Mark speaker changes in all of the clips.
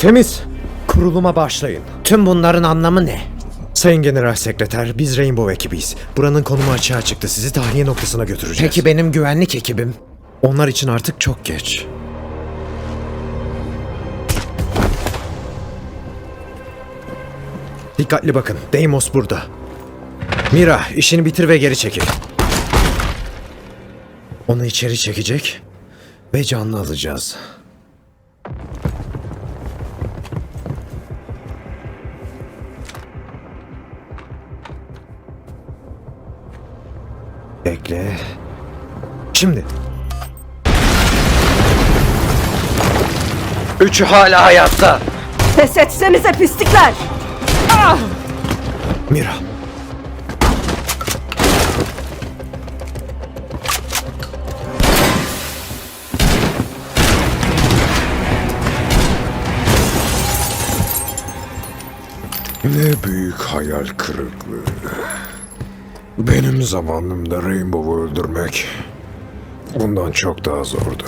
Speaker 1: Temiz. Kuruluma başlayın.
Speaker 2: Tüm bunların anlamı ne?
Speaker 1: Sayın General Sekreter, biz Rainbow ekibiyiz. Buranın konumu açığa çıktı. Sizi tahliye noktasına götüreceğiz.
Speaker 2: Peki benim güvenlik ekibim?
Speaker 1: Onlar için artık çok geç. Dikkatli bakın. Deimos burada. Mira, işini bitir ve geri çekil. Onu içeri çekecek ve canlı alacağız. Bekle. Şimdi.
Speaker 2: Üçü hala hayatta.
Speaker 3: Pes etsenize pislikler!
Speaker 1: Mira.
Speaker 4: Ne büyük hayal kırıklığı. Benim zamanımda Rainbow'u öldürmek bundan çok daha zordu.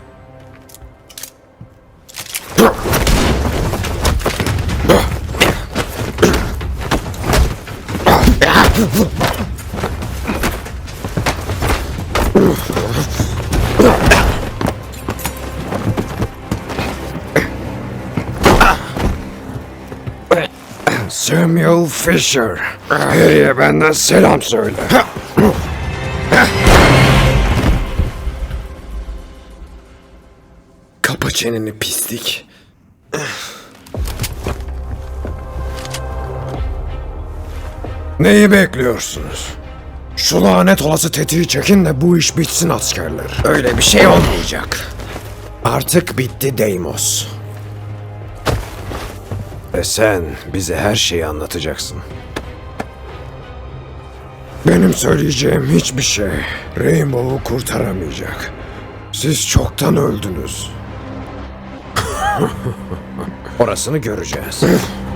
Speaker 4: Samuel Fisher. Harry'e benden selam söyle.
Speaker 1: Kapa çeneni pislik.
Speaker 4: Neyi bekliyorsunuz? Şu lanet olası tetiği çekin de bu iş bitsin askerler.
Speaker 1: Öyle bir şey olmayacak. Artık bitti Deimos. Ve sen bize her şeyi anlatacaksın.
Speaker 4: Benim söyleyeceğim hiçbir şey Rainbow'u kurtaramayacak. Siz çoktan öldünüz.
Speaker 1: Orasını göreceğiz.